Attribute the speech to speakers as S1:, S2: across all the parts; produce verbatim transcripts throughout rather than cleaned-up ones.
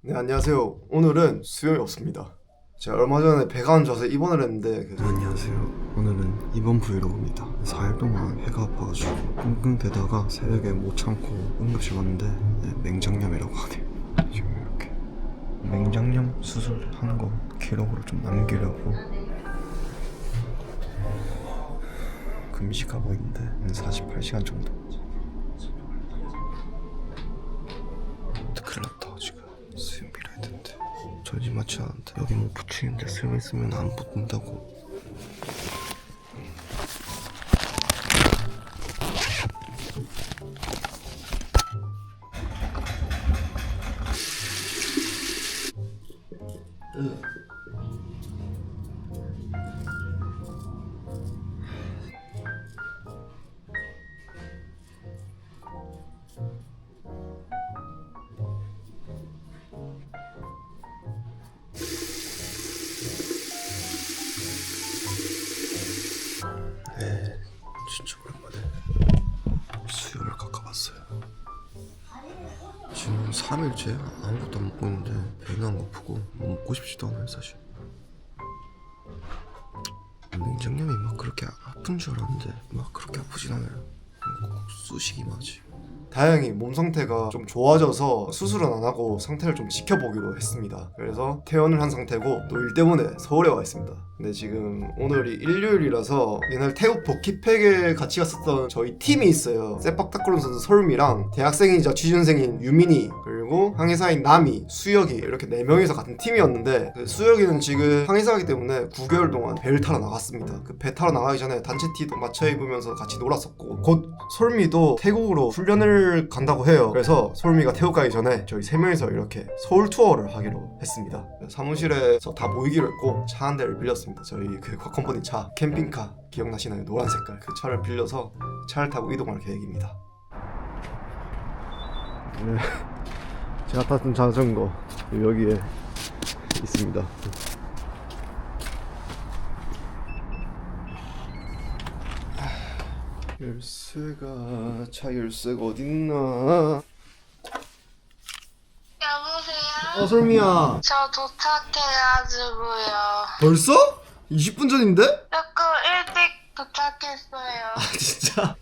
S1: 네, 안녕하세요. 오늘은 수염이 없습니다. 제가 얼마 전에 배가 안 좋아서 입원을 했는데 그래서...
S2: 안녕하세요. 오늘은 입원 브이로그입니다. 사 일 동안 배가 아파가지고 끙끙대다가 새벽에 못 참고 응급실 왔는데 네, 맹장염이라고 하네요. 지금 이렇게 맹장염 수술하는 거 기록으로 좀 남기려고 금식하고 있는데 한 사십팔 시간 정도. 큰일 났다. 지금 수염 밀어야 되는데 전지 맞지 않은데 여기 뭐 붙이는데 수염 있으면 안 붙는다고. 네, 진짜 오랜만에 수염을 깎아봤어요. 지금 삼 일째 아무것도 안 먹고 있는데 배는 안 고프고 뭐 먹고 싶지도 않아요 사실. 맹장염이 막 그렇게 아픈 줄 알았는데 막 그렇게 아프진 않아요. 꼭 쑤시기만 하지.
S1: 다행히 몸 상태가 좀 좋아져서 수술은 안 하고 상태를 좀 지켜보기로 했습니다. 그래서 퇴원을 한 상태고 또 일 때문에 서울에 와 있습니다. 근데 지금 오늘이 일요일이라서 옛날 태국 버킷팩에 같이 갔었던 저희 팀이 있어요. 세팍타크론 선수 설미랑 대학생이자 취준생인 유민이 그리고 항해사인 나미, 수혁이 이렇게 네 명이서 같은 팀이었는데 그 수혁이는 지금 항해사이기 때문에 구 개월 동안 배를 타러 나갔습니다. 그 배 타러 나가기 전에 단체 티도 맞춰 입으면서 같이 놀았었고 곧 솔미도 태국으로 훈련을 간다고 해요. 그래서 솔미가 태국 가기 전에 저희 세 명이서 이렇게 서울 투어를 하기로 했습니다. 사무실에서 다 모이기로 했고 차 한 대를 빌렸습니다. 저희 그 곽컴퍼니 차 캠핑카 기억나시나요? 노란 색깔 그 차를 빌려서 차를 타고 이동할 계획입니다.
S2: 네, 제가 탔던 자전거 여기에 있습니다.
S1: 열쇠가 차 열쇠가 어딨나?
S3: 여보세요?
S1: 어 솔미야
S3: 저 도착해가지고요.
S1: 벌써? 이십 분 전인데?
S3: 조금 일찍 도착했어요.
S1: 아 진짜?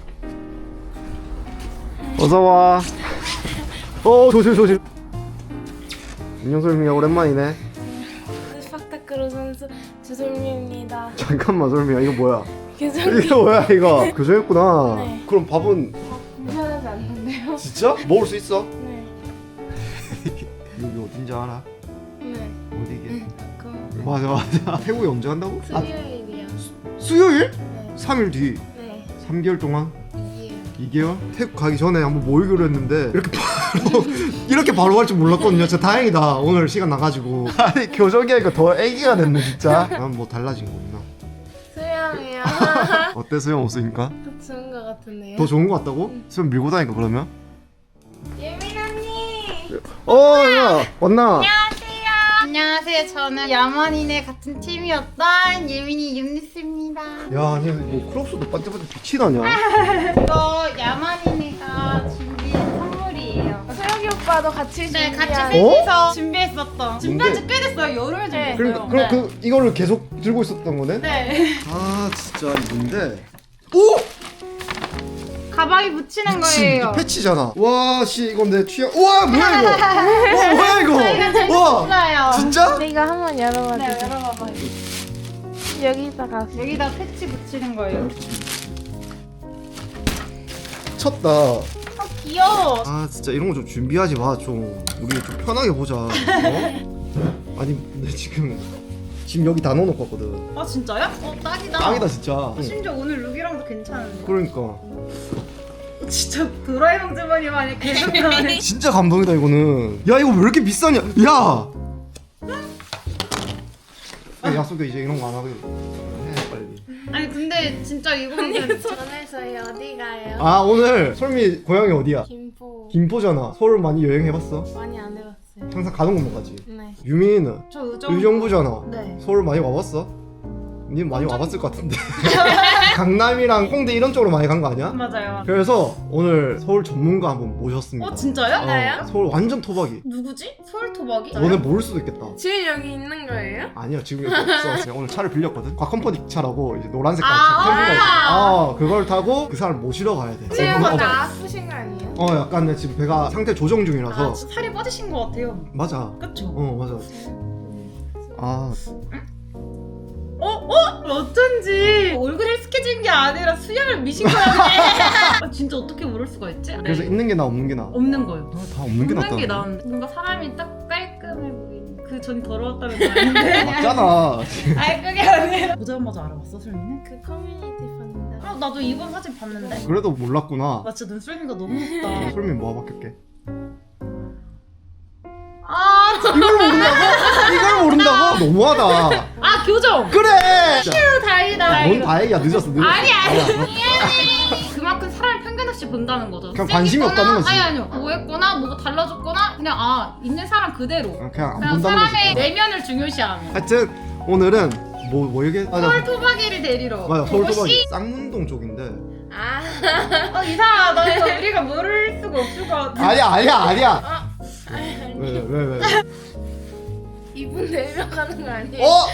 S1: 어서와. 어 조심 조심. 안녕 솔미야 오랜만이네.
S4: 스파타크로 선수 주솔미입니다.
S1: 잠깐만 솔미야 이거 뭐야?
S4: 교정님
S1: 이거 뭐야 이거? 교정했구나.
S4: 네.
S1: 그럼 밥은
S4: 불편하지 않는데요?
S1: 진짜? 먹을 수 있어?
S4: 네.
S1: 여기 어딘지 알아?
S4: 네.
S1: 어디게?
S4: 그
S1: 맞아 맞아. 태국에 언제 간다고? 아,
S4: 수요일이요.
S1: 수요일?
S4: 네.
S1: 삼 일 뒤.
S4: 네.
S1: 삼 개월 동안?
S4: 이게요.
S1: 이 개월? 태국 가기 전에 한번 모이기로 했는데 이렇게 바로 이렇게 바로 갈 줄 몰랐거든요. 진짜 다행이다. 오늘 시간 나가지고. 아니 교정이 하니까 더 애기가 됐네 진짜. 난 뭐 달라진 거 있나?
S4: 수영이요.
S1: 어때 수영 없으니까?
S4: 더 좋은 것 같은데요?
S1: 더 좋은 거 같다고? 수영 밀고 다니까 그러면?
S4: 예민 언니.
S1: 어, 야 왔나?
S5: 안녕하세요. 저는 야만인의 같은 팀이었던 예민이 윤니스입니다.
S1: 야, 아니 뭐 크롭스도 반짝반짝 빛이 나냐?
S5: 이거 야만인이가 준비한 선물이에요.
S4: 수영이 오빠도 같이
S5: 네,
S4: 준비한
S5: 같이 셋이서 준비했었던. 준비한 지
S1: 뭔데?
S5: 꽤 됐어요. 여름에 준비했어요.
S1: 그럼 그럼 그 이거를 계속 들고 있었던 거네?
S5: 네.
S1: 아 진짜 이건데. 오!
S5: 가방에 붙이는 거예요.
S1: 패치잖아. 와, 씨 이건 내 취향. 우와 뭐야 이거? 와 뭐야
S5: 저희가
S1: 이거? 와
S5: 재밌어요.
S1: 진짜?
S4: 근데 이거 한번 열어봐
S5: 네,
S4: 주세요.
S5: 열어봐봐요.
S4: 여기다가
S5: 여기다 패치 붙이는 거예요.
S1: 쳤다.
S5: 어, 귀여워.
S1: 아 진짜 이런 거 좀 준비하지 마. 좀 우리 좀 편하게 보자. 어? 아니 근데 지금 지금 여기 다 넣어놓고 왔거든.
S5: 아, 진짜요? 어, 딱이다.
S1: 짱이다 진짜. 응.
S5: 심지어 오늘 룩이랑도 괜찮은데.
S1: 그러니까
S5: 진짜 도라에몽 주머니 마냥 계속 나오네.
S1: 진짜 감동이다 이거는. 야 이거 왜 이렇게 비싸냐? 야. 야, 약속해 이제 이런 거 안 하고 해 빨리.
S5: 아니 근데 진짜 이거는
S4: 오늘 저희 어디 가요?
S1: 아 오늘 솔미 고향이 어디야?
S4: 김포.
S1: 김포잖아. 서울 많이 여행해봤어?
S4: 많이 안 해봤어요.
S1: 항상 가는 곳만 가지.
S4: 네.
S1: 유민이는
S5: 저 의정
S1: 의정부잖아.
S5: 네.
S1: 서울 많이 와봤어? 님 많이 와봤을 것 같은데. 강남이랑 홍대 이런 쪽으로 많이 간 거 아니야?
S5: 맞아요.
S1: 그래서 오늘 서울 전문가 한번 모셨습니다.
S5: 어 진짜요?
S1: 어, 서울 완전 토박이.
S5: 누구지? 서울 토박이?
S1: 너네 모를 수도 있겠다.
S4: 지금 여기 있는 거예요?
S1: 아니야 지금 여기 없어. 제가 오늘 차를 빌렸거든. 곽컴퍼니 차라고 이제 노란 색깔
S5: 아,
S1: 차 텔비가 있어.
S5: 아.
S1: 어 그걸 타고 그 사람 모시러 가야 돼.
S4: 지금
S1: 어,
S4: 나 아프신 거 아니에요?
S1: 어 약간 내 지금 배가 상태 조정 중이라서.
S5: 아 진짜 살이 빠지신 것 같아요.
S1: 맞아.
S5: 그쵸?
S1: 어 맞아. 아
S5: 어? 어? 어쩐지 얼굴 헬스케진 게 아니라 수염을 미신 거였네. 아, 진짜 어떻게 모를 수가 있지?
S1: 그래서
S5: 네.
S1: 있는 게 나 없는 게 나.
S5: 없는 거예요.
S1: 아, 다 없는 게 낫다.
S5: 없는 게 나은데 뭔가 사람이 딱 깔끔해 보이는 그 전 더러웠다는 거 아닌데?
S1: 맞잖아.
S5: 아니 그게 아니라 보자마자 알아봤어 설미는?
S4: 그 커뮤니티 봤는데.
S5: 아 나도 이번 사진 봤는데
S1: 그래도 몰랐구나.
S5: 나 진짜 눈썰미가 너무 높다.
S1: 솔미 뭐 바뀌었게?
S5: 아, 저...
S1: 이걸 모른다고? 이걸 모른다고? 너무하다.
S5: 아 교정!
S1: 그래.
S5: 다행이다.
S1: 뭔 다행이야 늦었어 늦었어.
S5: 아니 아니
S1: 아니야.
S5: 그만큼 사람을 편견 없이 본다는 거죠.
S1: 그냥 관심이
S5: 쎄기거나,
S1: 없다는 거지.
S5: 아니 아니요. 뭐했거나 뭐가 달라졌거나 그냥 아 있는 사람 그대로.
S1: 그냥 안
S5: 그냥
S1: 본다는 거지.
S5: 사람의 내면을 중요시하는.
S1: 하여튼 오늘은 뭐 뭐 얘기? 맞아.
S5: 서울 토박이를 데리러.
S1: 맞아 서울
S5: 그것이-
S1: 토박이 쌍문동 쪽인데.
S4: 아.
S5: 어 이상하다. 이거 우리가 모를 수가 없을 것 같아.
S1: 아니야 아니야 아니야.
S4: 아. 아니,
S1: 왜 왜 왜? 왜?
S4: 이분 내려가는 거 아니에요?
S1: 어?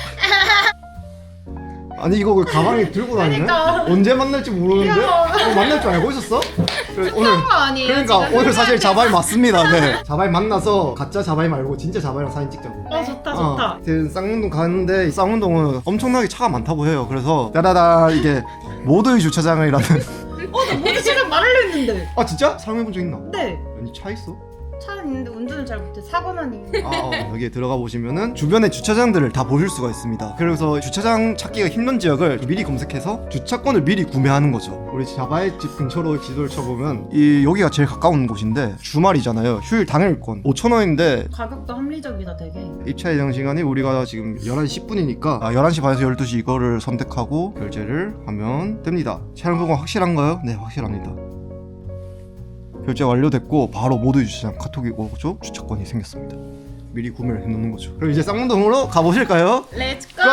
S1: 아니 이거 왜 가방에 들고 다니네?
S5: 그러니까.
S1: 언제 만날지 모르는데?
S5: 야.
S1: 어, 만날 줄 알고 있었어? 그래, 오늘
S5: 거 아니에요?
S1: 그러니까
S5: 지금?
S1: 오늘 사실 자바이 맞습니다. 네. 자바이 만나서 가짜 자바이 말고 진짜 자바이랑 사진 찍자고.
S5: 어 좋다
S1: 어,
S5: 좋다.
S1: 하여튼 쌍문동 가는데 이 쌍문동은 엄청나게 차가 많다고 해요. 그래서 따다다 이게 모두의 주차장이라는.
S5: 어나 모두 지금 말하려 했는데.
S1: 아 진짜? 사용해본 적 있나?
S5: 네.
S1: 아니 차 있어?
S5: 차는 있는데 운전을 잘 못해. 사고만 이유.
S1: 아, 어, 여기에 들어가 보시면은 주변의 주차장들을 다 보실 수가 있습니다. 그래서 주차장 찾기가 힘든 지역을 미리 검색해서 주차권을 미리 구매하는 거죠. 우리 자바의 집 근처로 지도를 쳐보면 이 여기가 제일 가까운 곳인데 주말이잖아요. 휴일 당일권 오천 원인데
S5: 가격도 합리적이다 되게.
S1: 입차 예정 시간이 우리가 지금 열한 시 십 분이니까 아, 열한 시 반에서 열두 시 이거를 선택하고 결제를 하면 됩니다. 차량 보고 확실한가요? 네, 확실합니다. 결제 완료됐고 바로 모두 주차장 카톡이 오죠. 주차권이 생겼습니다. 미리 구매를 해놓는 거죠. 그럼 이제 쌍문동으로 가보실까요?
S5: 렛츠고.
S1: 고!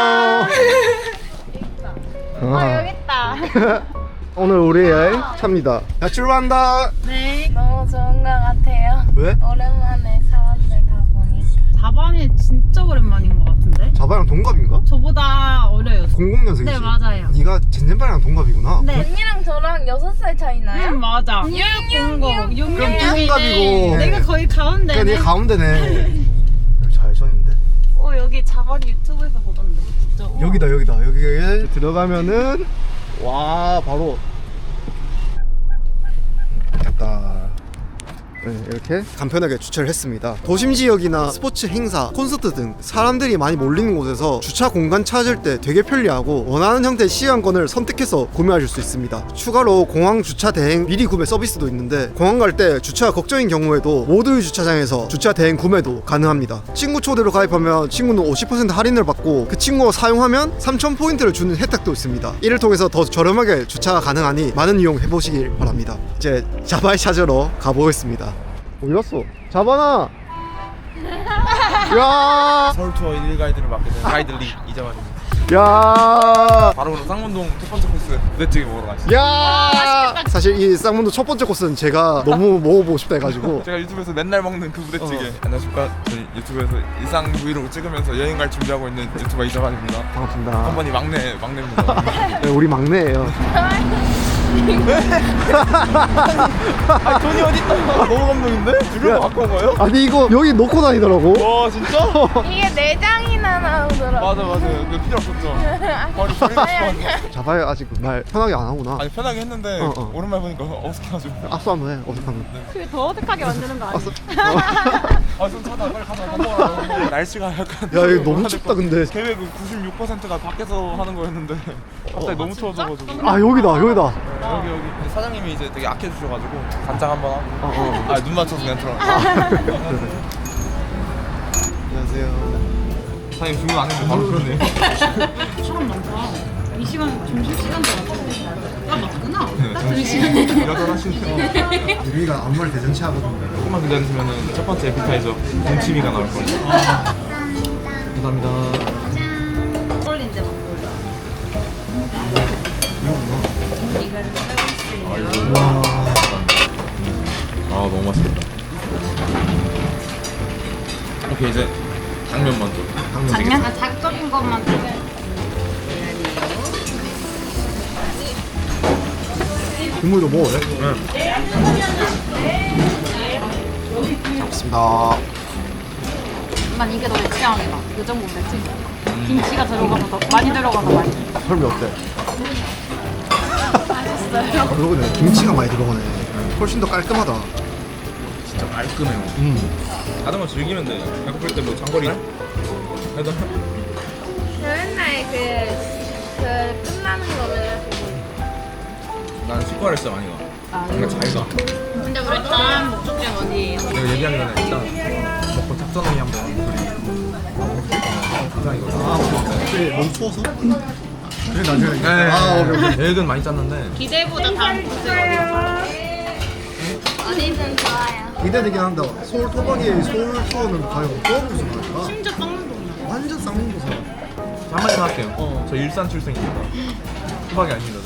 S4: 아 여기 있다.
S1: 오늘 우리의 차입니다. 자 출발한다.
S5: 네.
S4: 너무 좋은 거 같아요.
S1: 왜?
S4: 오랜만에 사람들 다 보니까.
S5: 자반이 진짜 오랜만인 것 같은데?
S1: 자바랑 동갑인가?
S5: 저보다 어려요.
S1: 공공 년생이지?
S5: 네 맞아요.
S1: 네가 젠젠바랑 동갑이구나.
S5: 네.
S4: 언니랑 저랑 여섯 살 차이 나요?
S5: 응 맞아. 육공공
S1: 그럼 뚱갑이고.
S5: 내가 거의 가운데네.
S1: 그래, 네 가운데네. 여기 좌회전인데?
S5: 어 여기 자반 유튜브에서 보던데 진짜. 어.
S1: 여기다 여기다 여기에 들어가면은 와 바로 됐다. 네, 이렇게 간편하게 주차를 했습니다. 도심 지역이나 스포츠 행사, 콘서트 등 사람들이 많이 몰리는 곳에서 주차 공간 찾을 때 되게 편리하고 원하는 형태의 시간권을 선택해서 구매하실 수 있습니다. 추가로 공항 주차 대행 미리 구매 서비스도 있는데 공항 갈 때 주차가 걱정인 경우에도 모두의 주차장에서 주차 대행 구매도 가능합니다. 친구 초대로 가입하면 친구는 오십 퍼센트 할인을 받고 그 친구가 사용하면 삼천 포인트를 주는 혜택도 있습니다. 이를 통해서 더 저렴하게 주차가 가능하니 많은 이용해 보시길 바랍니다. 이제 자바이 찾으러 가보겠습니다. 어디 갔어? 자바나! 야!
S6: 서울 투어 일 일 가이드를 맡게 된 가이드 리 이자만입니다.
S1: 야!
S6: 바로 오늘 쌍문동 첫 번째 코스 부대찌개 먹으러 가시죠.
S1: 야! 사실 이 쌍문도 첫 번째 코스는 제가 너무 먹어보고 싶다 해가지고
S6: 제가 유튜브에서 맨날 먹는 그 부대찌개.
S1: 어.
S6: 안녕하십니까. 저희 유튜브에서 일상 브이로그 찍으면서 여행 갈 준비하고 있는 유튜버 이자만입니다.
S1: 반갑습니다.
S6: 한번이 막내 막내입니다.
S1: 네, 우리 막내예요.
S6: 아 돈이 어딨다. 너무 감동인데? 주변 바꾼 거예요?
S1: 아니 이거 여기 놓고 다니더라고.
S6: 와 진짜?
S4: 이게 내장이나 나오더라고.
S6: 맞아 맞아. 그 필요 없었죠. 바로 버리고 싶었는데.
S1: 자바이 아직 말 편하게 안 하구나.
S6: 아니 편하게 했는데
S1: 어, 어.
S6: 오랜만에 보니까 어색해가지고.
S1: 악수 한번 해. 어색하면.
S5: 그게 더 어색하게 만드는 거 아니야?
S1: 악수.
S6: 아좀 차다 빨리 가자. 밥 먹으러 밥 먹으러. 날씨가 약간.
S1: 야 이거 너무 춥다 근데.
S6: 계획 구십육 퍼센트가 밖에서 하는 거였는데 갑자기 너무 추워져가지고.
S1: 아 여기다 여기다.
S6: 여기 여기 근데 사장님이 이제 되게 악해 주셔가지고 간장 한번 하고
S1: 어, 어.
S6: 아 눈 맞춰서 그냥 들어.
S1: 안녕하세요.
S6: 사장님 주문 안 했는데 바로 그러네.
S5: 사람 많다. 이 시간 점심 시간도 같은데. 아 맞구나.
S6: 네,
S5: 딱 점심.
S6: 여전하시네요.
S1: 유미가 아무 말 대잔치 하거든요.
S6: 조금만 기다리시면은 첫 번째 에피타이저 동치미가 나올 거예요. 감사합니다.
S5: 꼴린데 막걸리.
S6: 아 너무 맛있겠다. 오케이 이제 당면 먼저.
S5: 작년 자극적인 것만 좀.
S1: 국물도 먹어요?
S2: 좋습니다.
S5: 난 이게 더 내 취향이다. 이 정도 내 취향. 김치가 들어가서 더 많이 들어가서 맛있어.
S2: 설미 어때? 맛있어요. 아, 그러네. 김치가 많이 들어가네. 훨씬 더 깔끔하다.
S6: 진짜 깔끔해요.
S2: 음.
S6: 하다만 즐기면 돼. 배고플 때 뭐 장거리 해도
S4: 저 맨날 그, 그 끝나는 거 맨날 보고
S6: 난 치과를 진짜 많이 가.
S5: 아,
S6: 그러니까 잘 가.
S5: 근데 우리 일단 목적지는 어디예요?
S6: 내가 얘기하기 전에 일단 먹고 작전회의 한번 이거.
S2: 아, 혹시 너무 추워서? 그래 나중에.
S6: 네.
S2: 아, 오케이, 오케이.
S6: 계획은 많이 짰는데
S5: 기대보다 다음 코스
S4: 어디든 좋아요.
S2: 기대되긴 한다. 서울 토박이 서울 투어는 과연 어떤 모습을 할까?
S5: 심지어 썩는 동네.
S2: 완전 쌍문 도사.
S6: 한마디만 할게요. 저 일산 출생입니다. 수박이 아닙니다.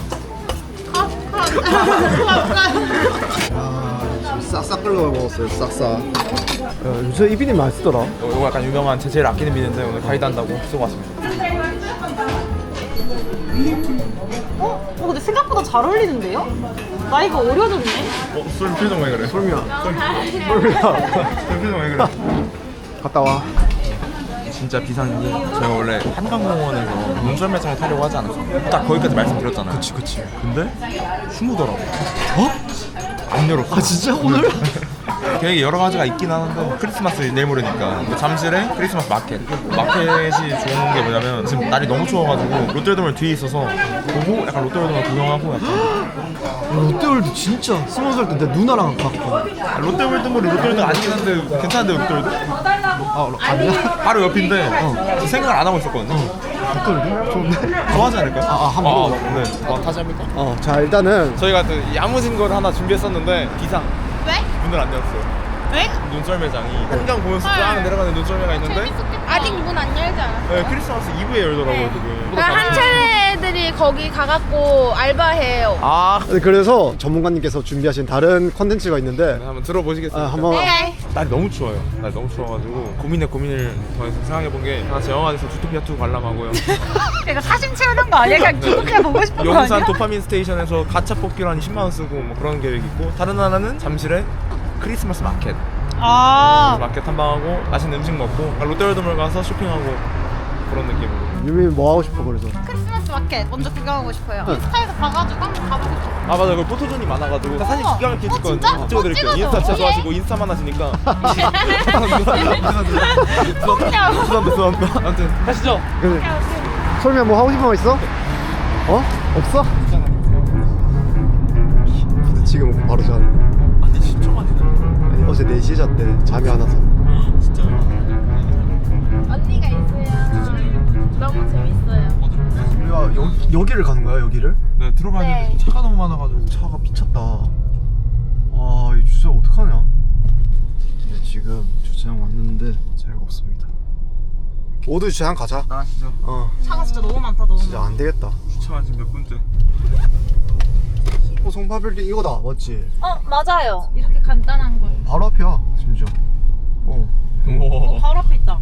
S2: 아, 지금 싹싹 끓여 먹었어요. 싹싹. 야, 요새 이비님 맛있더라.
S6: 이거, 이거 약간 유명한 제 제일 아끼는 비는데 오늘 가이드 한다고 쓰고 왔습니다.
S5: 어? 어 근데 생각보다 잘 어울리는데요? 나이가 어려졌네?
S6: 어? 술 표정 왜 그래?
S2: 설미야.
S6: 술 표정 왜 그래?
S2: 갔다 와.
S6: 진짜 비싼 게 저희가 원래 한강공원에서 눈썰매장을 타려고 하지 않았어요? 딱 거기까지 말씀드렸잖아요.
S2: 그치 그치.
S6: 근데 휴무더라고.
S2: 어?
S6: 안 열었어.
S2: 아 진짜 오늘?
S6: 계획이 여러 가지가 있긴 하는데 크리스마스 내일 모레니까 근데 잠실에 크리스마스 마켓 마켓이 좋은 게 뭐냐면 지금 날이 너무 추워가지고 롯데월드몰 뒤에 있어서 보고 약간 롯데월드몰 구경하고 약간
S2: 롯데월드 진짜 스무 살 때 내 누나랑 갔고.
S6: 아, 롯데월드몰이 롯데월드 아니긴 한데 괜찮은데 롯데월드?
S2: 아 아니야?
S6: 바로 옆인데 어. 생각을 안 하고 있었거든요.
S2: 롯데월드? 좋은데?
S6: 좋아하지 않을까요?
S2: 아, 아, 한번
S6: 아,
S2: 물어봐.
S6: 네. 와, 다시 합니까?
S2: 어, 자 일단은
S6: 저희가 또 야무진 걸 하나 준비했었는데 비상
S4: 왜?
S6: 문을 안 열었어요.
S5: 왜?
S6: 눈썰매장이 한강 보면서 쫙 내려가는 눈썰매가 있는데
S4: 아직 문 안 열지 않았어.
S6: 네, 크리스마스 이브에 열더라고요
S4: 네.
S6: 지금.
S4: 그 한차례 애들이 거기 가갖고 알바해요.
S6: 아
S2: 네, 그래서 전문가님께서 준비하신 다른 컨텐츠가 있는데
S6: 네, 한번 들어보시겠습니까?
S2: 아, 한번
S4: 네.
S6: 날이 너무 추워요. 날이 너무 추워가지고 고민에 고민을 더해서 생각해본 게 하나 제 영화관에서 주토피아 투 관람하고요.
S5: 그러니까 사진 채우는 거 아니야? 그냥 기독교 보고 싶은 거
S6: 용산
S5: 아니야?
S6: 도파민 스테이션에서 가차 뽑기로 한 이십만 원 쓰고 뭐 그런 계획이 있고 다른 하나는 잠실에 크리스마스 마켓
S5: 아
S6: 마켓 탐방하고 맛있는 음식 먹고 롯데월드몰 가서 쇼핑하고 그런 느낌으로.
S2: 유미 뭐 하고 싶어 그래서?
S5: 크리스마스 마켓 먼저 구경하고 싶어요.
S2: 네.
S5: 인스타에서 봐가지고 한번 가보고 싶어.
S6: 아 맞아 그 포토존이 많아가지고 사진
S5: 어.
S6: 기가 막히게
S5: 어,
S6: 찍거든요.
S5: 진짜?
S6: 찍어드릴게요.
S5: 어, 찍어줘.
S6: 인스타 진짜
S5: 예.
S6: 좋아하시고 인스타만 하시니까 죄송합니다 죄송합니다. 아무튼 가시죠.
S2: 그래. 설미야 뭐 하고 싶은 거 있어? 어? 없어? 근데 지금 바로 자.
S6: 아니 십 초 만이네.
S2: 아니, 어제 네 시에 잤대. 잠이 안 와서.
S6: 진짜요?
S4: 언니가 있어요. 너무 재밌어요.
S2: 우리가 여, 여기를 가는 거야 여기를?
S6: 네 들어가야
S4: 네.
S6: 되는데 차가 너무 많아가지고.
S2: 차가 미쳤다. 와, 이 주차 어떡하냐? 네, 지금 주차장 왔는데 자리가 없습니다. 모두 주차장 가자.
S6: 나가시죠.
S2: 어,
S5: 차가 진짜 너무 많다 너무.
S2: 진짜 안 되겠다.
S6: 주차가 지금 몇 분째?
S2: 어, 송파빌딩 이거다, 맞지?
S5: 어 맞아요. 이렇게 간단한 거.
S2: 바로 앞이야, 심지어. 어,
S6: 오.
S5: 바로 앞에 있다.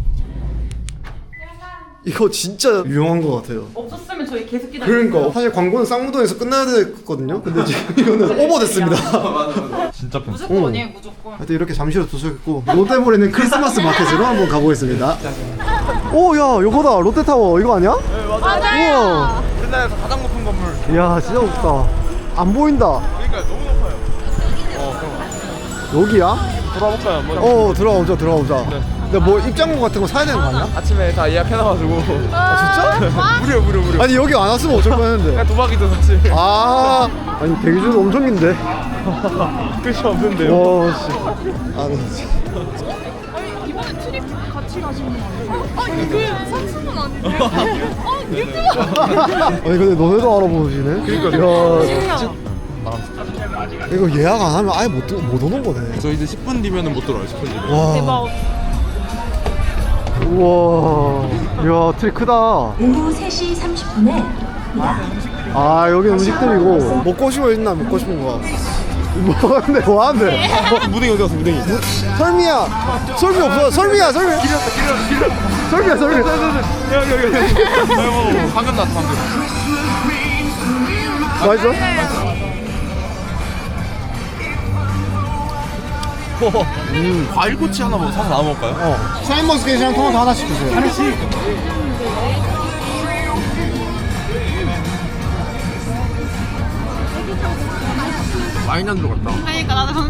S2: 이거 진짜 유용한 것 같아요.
S5: 없었으면 저희 계속 기다려.
S2: 그러니까 사실 광고는 쌍무동에서 끝나야 됐거든요. 근데 지금 이거는 오버됐습니다.
S6: 진짜 편.
S5: 무조건
S2: 응.
S5: 아니에요 무조건.
S2: 하여튼 이렇게 잠시로 도착했고 롯데몰에는 크리스마스 마켓으로 한번 가보겠습니다. 오, 야, 요거다, 롯데타워 이거 아니야?
S6: 네 맞아요.
S4: 맞아요.
S2: 우와,
S6: 우리나라에서 가장 높은 건물.
S2: 이야, 진짜 높다. 안 보인다.
S6: 그러니까 너무 높아요. 어 그럼
S2: 여기야?
S6: 돌아볼까요 한번?
S2: 어, 들어가보자, 들어가보자.
S6: 네.
S2: 근데 뭐 입장권 같은 거 사야 되는 거 아니야?
S6: 아침에 다 예약해놔가지고.
S2: 아, 진짜?
S6: 무료 무료 무료.
S2: 아니 여기 안 왔으면 어쩔 뻔했는데.
S6: 그냥 도박이죠 사실.
S2: 아, 아니 대기줄도 엄청 긴데.
S6: 끝이 없는데요.
S2: 와, 씨. 아, 네.
S5: 이번에 트립 같이 가시는 거 아니에요?
S4: 아니 그 삼촌은 아닌데. 어 유튜브.
S2: 아니 근데 너네도 알아보시네. 그러니까. 야, 진짜. 이거 예약 안 하면 아예 못, 들- 못 오는 거네.
S6: 저 이제 십 분 뒤면은 못 들어요. 십 분 뒤면.
S2: 와.
S5: 대박.
S2: 우와. 이야, 트리 크다.
S7: 오후 세 시 삼십 분에
S2: 아,
S1: 아 여기 음식들이고 먹고 싶은 거 있나? 먹고 싶은 거 뭐하는데 뭐하는데
S6: 무등이 어디 갔어 무등이?
S1: 설미야 설미 없어 설미야 설미 설미야 설미
S6: 여기 여기 여기. 방금 나왔어 방금.
S1: 맛있어?
S6: 음 과일꼬치 하나 뭐 사서 나눠 먹을까요?
S1: 어 샤인머스켓이랑 토마토 하나씩 주세요 하나씩?
S6: 많이 안 들어갔다.
S5: 그러니까 나도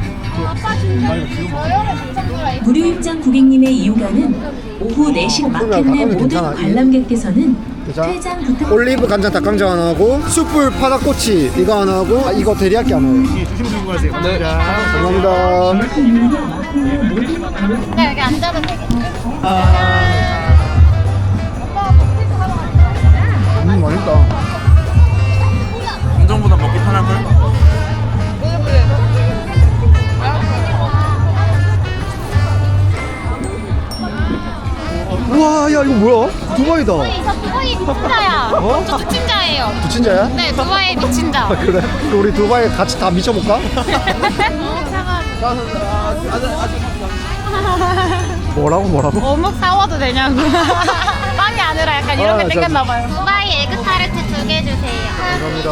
S7: 무료 입장 고객님의 이용가는 오후 네 시 마켓 내
S1: 닭강정
S7: 모든
S1: 괜찮아.
S7: 관람객께서는
S1: 그죠?
S7: 퇴장 부탁.
S1: 올리브 간장 닭강정 하나 하고 숯불 파닭꼬치 이거 하나 하고 아, 이거 데리야끼 하나 해요
S6: 조심히 가세요. 네.
S1: 감사합니다
S4: 나 여기 앉아도 되겠지?
S1: 음 맛있다
S6: 감정보다 먹기 편할 걸?
S1: 우와 야 이거 뭐야? 두바이다
S4: 저 두바이 미친자야.
S1: 어?
S4: 저 미친자예요.
S1: 부친자야?
S4: 네, 두바이 미친자.
S1: 그래? 그럼 우리 두바이 같이 다 미쳐볼까? 뭐라고 뭐라고?
S4: 어묵 사와도 되냐고. 빵이 아니라 약간 이런 게
S1: 아,
S4: 땡겼나 봐요. 두바이 에그 타르트 두 개 주세요.
S1: 감사합니다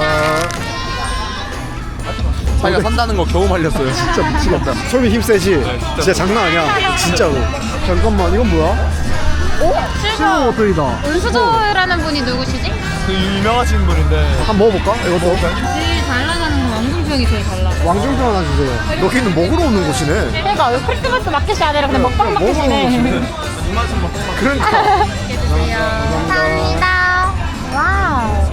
S6: 자기가 산다는 거 겨우 말렸어요.
S1: 진짜 미치겠다 솔미 힘세지? 진짜 장난 아니야 진짜로 잠깐만 이건 뭐야? 실버 워플이다
S4: 은수조라는 분이 누구시지?
S6: 그 유명하신 분인데.
S1: 한번 먹어볼까? 이거 먹어볼까?
S5: 제일 잘 나가는 건 왕중평이 제일 잘 나가.
S1: 왕중평 하나 주세요 여기는 먹으러 오는 곳이네
S4: 그러니까 왜 크리스마스 마켓이 아니라 그냥 먹방
S1: 먹으러 오는
S4: 마켓이네.
S1: 곳이네 그러니까
S4: 감사합니다. 와우.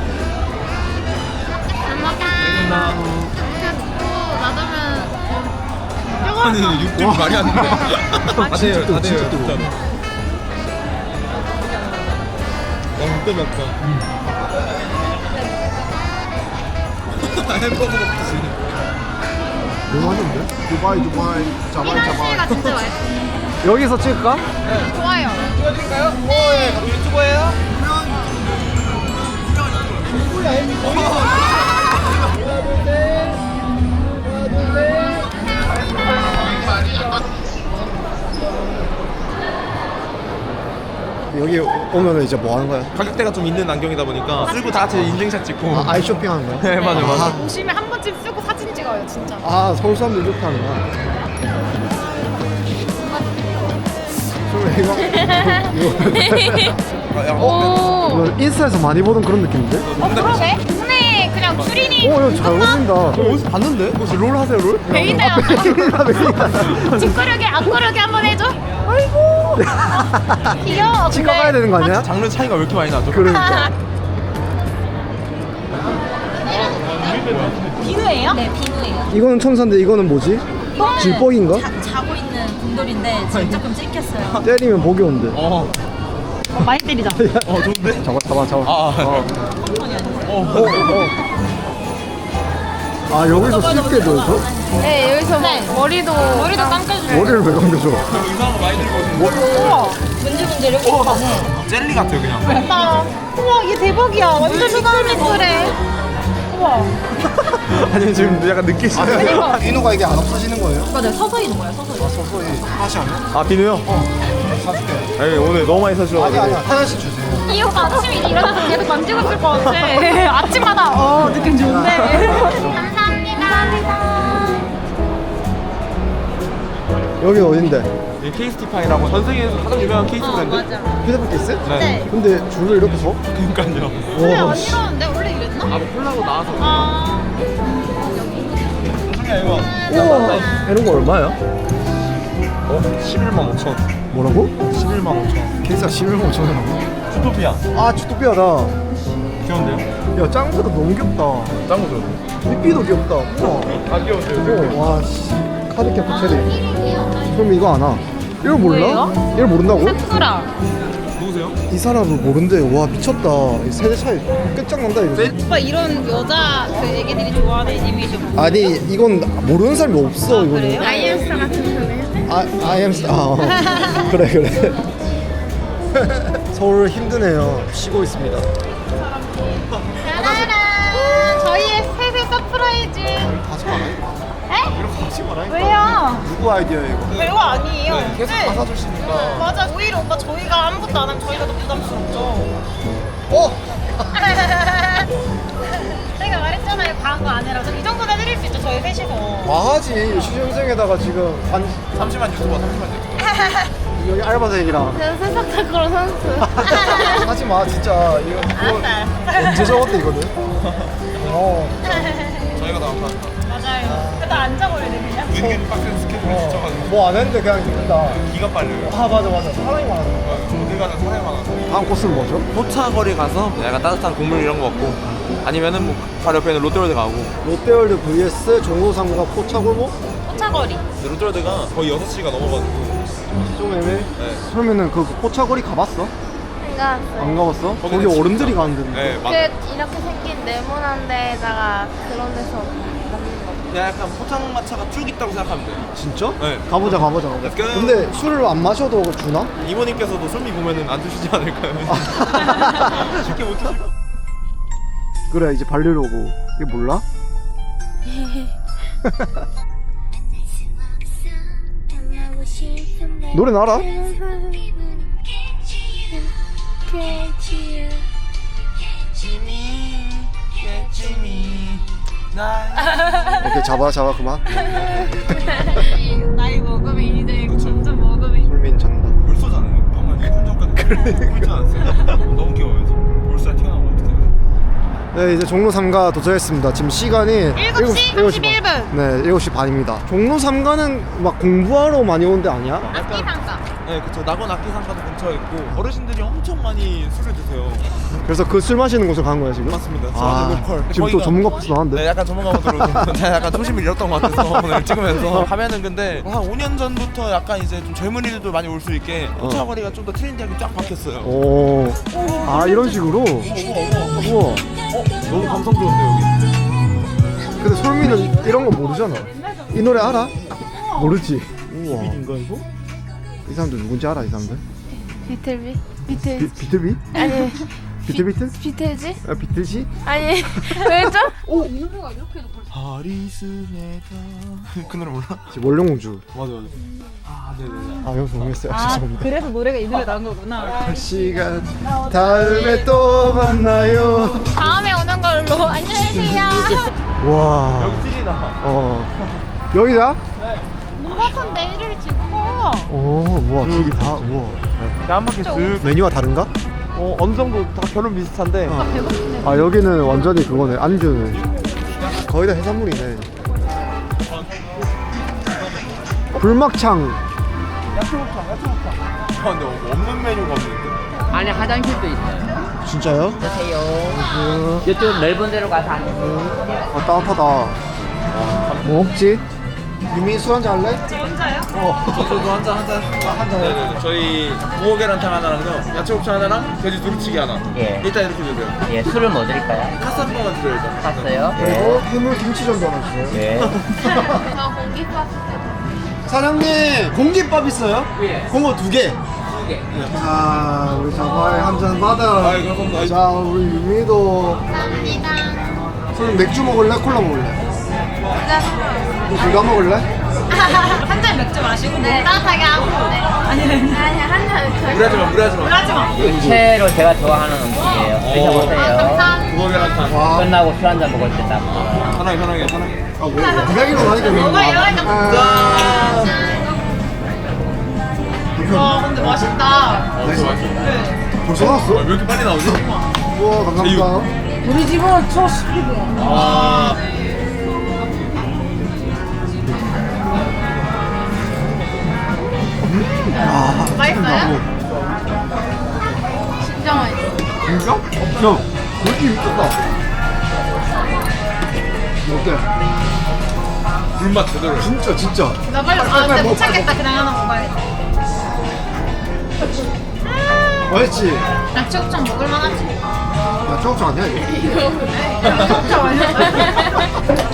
S4: 잘 먹자. 놔두면
S6: 아니 육즙 말이 안 돼. 다 돼요 다 돼요 진짜로. 와 진짜 맵다. 햄버거 먹듯이.
S1: 너무 맛있는데? 두바이 두바이 자바이
S4: 이런
S1: 자바이
S4: 씨가 진짜 맛있어.
S1: 여기서 찍을까?
S4: 좋아요.
S1: 여기 오면은 이제 뭐 하는 거야?
S6: 가격대가 좀 있는 안경이다 보니까 쓰고 다 같이 인증샷 찍고.
S1: 아, 아이 쇼핑 하는 거야?
S6: 네 맞아 맞아.
S4: 오시면 한 번쯤 쓰고 사진 찍어요, 진짜.
S1: 아 서울 사람들 이렇게 하는구나 그러면 이거
S6: 아, 야, 어,
S4: 오.
S1: 이거 인스타에서 많이 보던 그런 느낌인데?
S4: 어, 그러네? 동네 그냥 추리닝.
S1: 오, 이거 잘 어울린다. 어디서 봤는데? 혹시 롤 하세요, 롤?
S4: 베이다요.
S1: 아, 베이다, 베이다.
S4: 뒷구르기, 앞구르기 한번 해줘. 아이고. 귀여워.
S1: 치과 가야 되는 거 아니야?
S6: 장르 차이가 왜 이렇게 많이 나죠?
S1: 그러니까.
S4: 비누예요?
S8: 네, 비누예요.
S1: 이거는 천사인데 이거는 뭐지? 질뻑인가?
S8: 자, 자고 있는 곰돌인데 지금 조금 찍혔어요.
S1: 때리면 목이 온대.
S6: 어,
S4: 많이 때리자.
S6: 어 좋은데?
S1: 잡아, 잡아, 잡아.
S6: 아, 아.
S1: 어.
S6: 어,
S1: 어, 어. 아, 여기서 쉽게 줘서?
S4: 네, 여기서 네. 머리도 머리도 감겨주세요.
S1: 머리를 왜 감겨줘?
S6: 이상한 거 많이 들고 오시는데.
S4: 우와.
S8: 문질문질 여기 있다네.
S6: 젤리 같아요 그냥.
S4: 됐다. 우와, 얘 대박이야. 완전 미끌미끌해. 우와.
S6: 아니 지금 약간 느끼시는.
S1: 아, 비누가 이게 안 없어지는 거예요?
S8: 맞아요. 서서히 있는 거예요. 서서히.
S1: 서서히 하나씩 하면?
S6: 아 비누요?
S1: 사줄게.
S6: 아니 오늘 너무 많이 사주셔.
S1: 아니, 아니, 하나씩 주세요.
S4: 이 오빠 아침에 일어나서 계속 만지고 있을 것 같아. 아침마다 어 느낌 좋은데. 감사합니다.
S1: 여기 어딘데?
S6: 이 케이스티파이라고 전 세계에서 가장 유명한 케이스 브랜드.
S1: 휴대폰 케이스?
S6: 네.
S1: 근데 줄을 이렇게 서?
S6: 그러니까요.
S4: 원래
S1: 와,
S4: 안
S1: 씨.
S4: 이러는데 원래 이랬나?
S6: 아 뭐 콜라보 나와서.
S4: 아.
S6: 중에 이거.
S1: 우와, 이런 거 얼마야?
S6: 어? 십일만 오천.
S1: 뭐라고?
S6: 십일만 오천.
S1: 케이스가 십일만 오천 원이라고?
S6: 주토피아.
S1: 아, 주토피아다.
S6: 귀여운데요?
S1: 야, 짱구도 너무 귀엽다.
S6: 짱구 좋은데?
S1: 삐삐도 귀엽다. 우와.
S6: 아 귀여운데요?
S1: 어, 와, 씨. 카드캡 체리. 그럼 이거 안 와. 이걸 몰라?
S4: 뭐예요?
S1: 이걸 모른다고?
S4: 사쿠라.
S6: 누구세요?
S1: 이 사람을 모른대. 와, 미쳤다. 이 세대 차이 끝장난다, 이거.
S4: 오빠 이런 여자 그 애기들이 좋아하는 애니메이션.
S1: 아니, 이건 모르는 사람이 없어, 이거는.
S4: 아이엠스타 같은 거네.
S1: 아, 아이엠스. 아, 어. 그래, 그래. 서울 힘드네요. 쉬고 있습니다.
S4: 짜라란. 저희의 세세 서프라이즈.
S1: 하지 마라 이거.
S4: 에?
S1: 이렇게 하지 마라 이거.
S4: 왜요?
S1: 누구 아이디어야 이거?
S5: 별거 아니에요.
S6: 네, 계속
S5: 네.
S6: 다 사주시니까.
S5: 맞아. 오히려 오빠 저희가 아무것도 안 하면 저희가 더 부담스럽죠.
S1: 어?
S5: 제가 말했잖아요. 과한 거 아니라서 이 정도는 해드릴 수 있죠. 저희 셋이서.
S1: 과하지. 시중생에다가 지금 반
S6: 삼십만 유튜버 삼십만 유튜버.
S1: 여기 알바생이랑
S4: 저는 세상 타크로 선수.
S1: 하지 마 진짜. 이거 이거 언제 적었대 이거는? 어.
S6: 저희가 다 합니다.
S5: 맞아요. 그래도 앉아버려야 돼 그냥.
S6: 은근 빡센 스케줄이 진짜가지고
S1: 뭐 안 했는데 그냥 된다.
S6: 기가 빨려요.
S1: 아 맞아 맞아. 사람이 많아.
S6: 어딜 가든 사람이 많아서.
S1: 다음 코스는 뭐죠?
S9: 포차거리 가서 약간 따뜻한 국물 이런 거 먹고 아니면은 뭐 바로 옆에 있는 롯데월드 가고.
S1: 롯데월드 vs 종로상가 포차골목?
S5: 포차거리.
S9: 근데 롯데월드가
S6: 거의 여섯 시가 넘어가지고.
S1: 좀 애매해.
S6: 네.
S1: 그러면은 그 포차거리 가봤어?
S4: 그러니까
S1: 안 가봤어? 거기
S6: 거기는 진짜-
S1: 어른들이 가는 데인데.
S6: 네, 맞아.
S4: 그 이렇게 생긴 네모난 데에다가 그런 데서 먹는 거.
S9: 그냥 약간 포장마차가 쭉 있다고 생각하면 돼요.
S1: 진짜?
S9: 네.
S1: 가보자 가보자.
S9: Let's go.
S1: 근데 술을 안 마셔도 주나?
S9: 이모님께서도 솔미 보면은 안 드시지 않을까요? 쉽게 못 드실 거.
S1: 그래 이제 발리로 오고. 이게 몰라? 노래 알아? 오케이 잡아 잡아 그만.
S5: 나이 먹으면 이제 점점 먹으면.
S1: 솔민 잔다.
S6: 벌써잖아요. 방금 일 분 전까지 그러지 않았어요? 너무 귀여워요. 벌써 태어나면 어떡해.
S1: 네 이제 종로 삼가 도착했습니다. 지금 시간이
S5: 일곱 시 삼십일 분.
S1: 네 일곱 시 반입니다. 종로 삼가는 막 공부하러 많이 오는 데 아니야?
S5: 악기 상가.
S9: 네, 그쵸. 낙원 악기상가도 근처에 있고 어르신들이 엄청 많이 술을 드세요.
S1: 그래서 그 술 마시는 곳으로 간 거야 지금?
S9: 맞습니다.
S1: 아,
S9: 저는 로컬.
S1: 지금 또
S9: 거기가-
S1: 전문가 코스 나왔는데?
S9: 네, 약간 전문가 모드로 제가 약간 초심을 잃었던 것 같아서 오늘 찍으면서 하면은 근데 한 오 년 전부터 약간 이제 좀 젊은이들도 많이 올 수 있게 포차거리가 좀 더 트렌디하게 쫙 바뀌었어요.
S1: 오. 아 이런 식으로? 우와.
S9: 너무 감성 좋은데 여기.
S1: 근데 솔미는 이런 거 모르잖아. 이 노래 알아? 모르지? 우와.
S9: 인가 이거?
S1: 이 사람들 누군지 알아 이 사람들?
S4: 비틀비?
S1: 비,
S4: 비틀
S1: 비틀비?
S4: 아니
S1: 비틀비틀?
S4: 비틀지?
S1: 아 비틀지?
S4: 아니 왜죠?
S9: 하리스네다. 그 노래 몰라?
S1: 지금 원룡공주.
S9: 맞아 맞아. 아 네네.
S1: 아 여기서 모르겠어요.
S5: 아
S1: 죄송합니다.
S5: 그래서 노래가 이 노래 나온 거구나.
S1: 시간 다음에 또 만나요.
S4: 다음에 오는 걸로 안녕히 계세요.
S1: 와.
S9: 여기 찔이다.
S1: 어. 여기다?
S5: 눈밭은 내일을 찍고.
S1: 오, 우와, 저기 다, 우와.
S9: 한 바퀴 쓱.
S1: 메뉴가 다른가?
S9: 어 어느 정도 다 결혼 비슷한데.
S1: 어. 아, 여기는 완전히 그거네, 안주네. 거의 다 해산물이네. 불막창.
S9: 아 근데 없는 메뉴가 없는데.
S10: 안에 화장실도 있어요.
S1: 진짜요?
S10: 보세요. 이쪽 넓은 데로 가서 앉으세요.
S1: 아, 따뜻하다. 뭐 먹지? 유미 술 한잔 할래?
S5: 혼자요?
S1: 어.
S9: 저도 한잔 한잔.
S1: 한잔
S9: 네네. 저희 무어 계란탕 하나랑요. 야채 곱창 하나랑 돼지 두루치기 하나.
S10: 예.
S9: 일단 이렇게 주세요.
S10: 예, 술을 뭐 드릴까요?
S9: 카스 한 번만 드려요 일단.
S10: 샀어요?
S1: 그리고 해물 김치전도 하나 주세요.
S10: 예.
S4: 저 공깃밥.
S1: 사장님, 공깃밥 있어요?
S10: 예.
S1: 공깃밥 두 개.
S10: 두 개.
S1: 자, 우리 자바에 한 잔 받아.
S9: 아이, 감사합니다.
S1: 자, 우리 유미도.
S4: 감사합니다.
S1: 그럼 맥주 먹을래? 콜라 먹을래? 둘다 먹을래?
S5: 한 잔 맥주 마시고.
S4: 네, 따뜻하게 하고. 네. 아니, 아니, 한 잔.
S9: 무리하지 마 무리하지 마.
S5: 하지 마.
S10: 채로 제가 좋아하는 음식이에요.
S4: 아,
S10: 드셔보세요.
S4: 감사합니다.
S9: 무어 계란탕.
S1: 와.
S10: 끝나고 술 한잔 먹을 때 딱.
S9: 편하게 편하게 편하게.
S1: 아, 뭐, 이야기로 하니까 그런가? 아,
S5: 와 근데 맛있다.
S1: 맛있어? 벌써 나왔어?
S9: 왜 이렇게 빨리 나오지?
S1: 우와, 감사합니다.
S5: 우리 집은 초 십일 분.
S9: 아.
S1: 아,
S4: 맛있어요? 진짜 맛있어.
S1: 진짜? 야, 그렇게 미쳤다. 어때?
S9: 불맛 제대로.
S1: 진짜, 진짜.
S5: 나 빨리. 아 근데 못 참겠다. 그냥 하나 먹어야겠다.
S1: 맛있지?
S5: 낙지곱창 먹을만하지.
S1: 야, 초록초 아니야, 이거?
S5: 낙지곱창 아니야?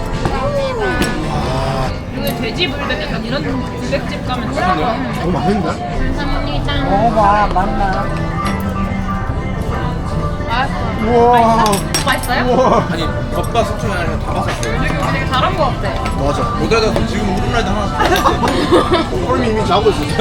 S5: 여기 돼지 불백 약간 이런 불백집 가면 진짜
S1: 너무 맛있는데?
S5: 감사합니다.
S10: 먹어봐, 맛나.
S4: 맛있어.
S1: 우와.
S4: 맛있어요?
S1: 우와.
S9: 아니 겉바 속초에 아니라 다 봤었어요.
S4: 되게 잘한 거 같아.
S1: 맞아.
S9: 못하다 지금 후라이드 하나
S1: 헐미 이미 자고 있었어.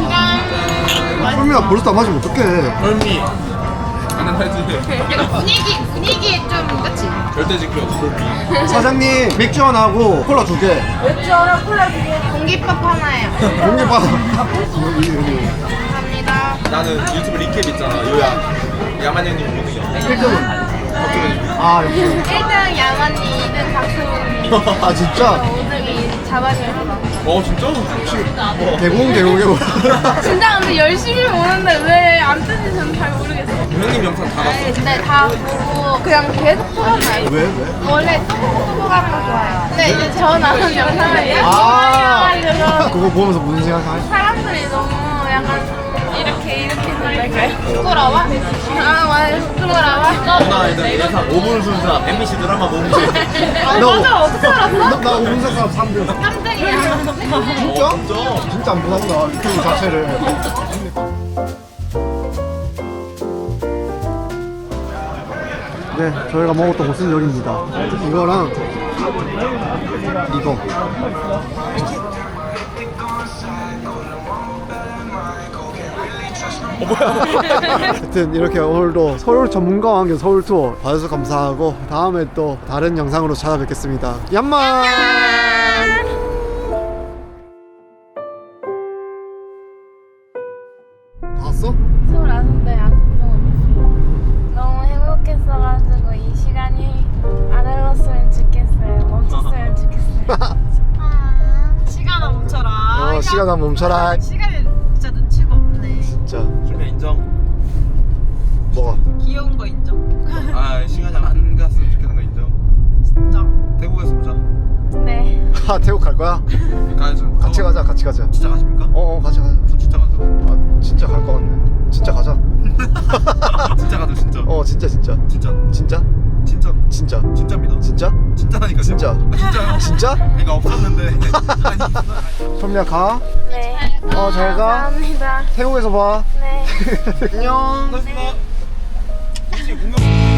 S1: 헐미가 벌써 다 마시면 어떡해.
S9: 헐미 가능하지.
S4: 약간 분위기 분위기 좀 그치?
S9: 절대 지켜 헐미.
S1: 사장님 맥주 하나 하고 콜라 두 개.
S3: 맥주 하나 콜라 두 개. 공깃밥 하나요.
S1: 공개 받아. 여기 여기.
S3: 감사합니다.
S9: 나는 유튜브 리캡 있잖아. 요야 야만 형님 보는 거.
S1: 일 등은? 아 여기.
S3: 일 등 양언니, 이 등 박수훈이.
S1: 아 진짜?
S3: 오 등이 자반이었어.
S9: 어 진짜? 혹시
S1: 개공 개공 개공.
S3: 진짜 근데 열심히 보는데 왜 안 뜨는지 저는 잘 모르겠어요.
S9: 형님 영상 다 봤어.
S3: 네, 근데 다 보고 그냥 계속 풀어놔요.
S1: 왜 왜?
S3: 원래 뚜벅뚜벅 하는 거 좋아해요. 근데 이제 저 나온 영상을 이렇게
S1: 아
S3: 해가지고
S1: 그거 보면서 무슨 생각하지?
S3: 사람들이 너무 약간 이렇게 이렇게 놀랄까요? 부끄러워? 아 맞아 부끄러워.
S9: 누나 일단 예상 오 분 순서 엠비씨 드라마 몸지.
S3: 맞아 어떻게 알았어?
S1: 나 오 분 사람 삼 등.
S3: 삼 등이야.
S1: 진짜? 진짜 안 보답니다 유튜브 자체를. 네, 저희가 먹었던 곳은 여기입니다. 이거랑 이거. 하여튼 이렇게 오늘도 서울 전문가와 함께 서울 투어 봐주셔서 감사하고 다음에 또 다른 영상으로 찾아뵙겠습니다. 얌만! 다 왔어?
S3: 스물아홉인데 아직 병원 너무 행복했어가지고 이 시간이 안 흘렀으면 좋겠어요. 멈췄으면 좋겠어요.
S4: 시간아 멈춰라.
S1: 어, 시간 한번 멈춰라.
S4: 시간이 진짜 눈치가 없네.
S1: 진짜.
S9: 준비 인정.
S1: 뭐가?
S4: 귀여운 거 인정.
S9: 아 시간이 안 갔으면 좋겠는 거 인정.
S4: 진짜.
S9: 태국에서 보자.
S3: 네.
S1: 아, 태국 갈 거야?
S9: 가야죠.
S1: 같이 가자, 같이 가자.
S9: 진짜 가십니까?
S1: 어, 어 같이 가자.
S9: 저 진짜 가죠.
S1: 아, 진짜 갈 거 같네. 진짜 가자.
S9: 진짜 가죠 진짜.
S1: 어, 진짜, 진짜.
S9: 진짜.
S1: 진짜?
S9: 진짜.
S1: 진짜.
S9: 진짜입니다.
S1: 진짜?
S9: 진짜라니까.
S1: 진짜.
S9: 아, 진짜요?
S1: 진짜?
S9: 그러니까 없었는데. 아니.
S1: som야 가.
S3: 네.
S1: 어, 잘 가.
S3: 감사합니다.
S1: 태국에서 봐.
S3: 네.
S1: 안녕.
S9: 고맙습니다. 혹시 공연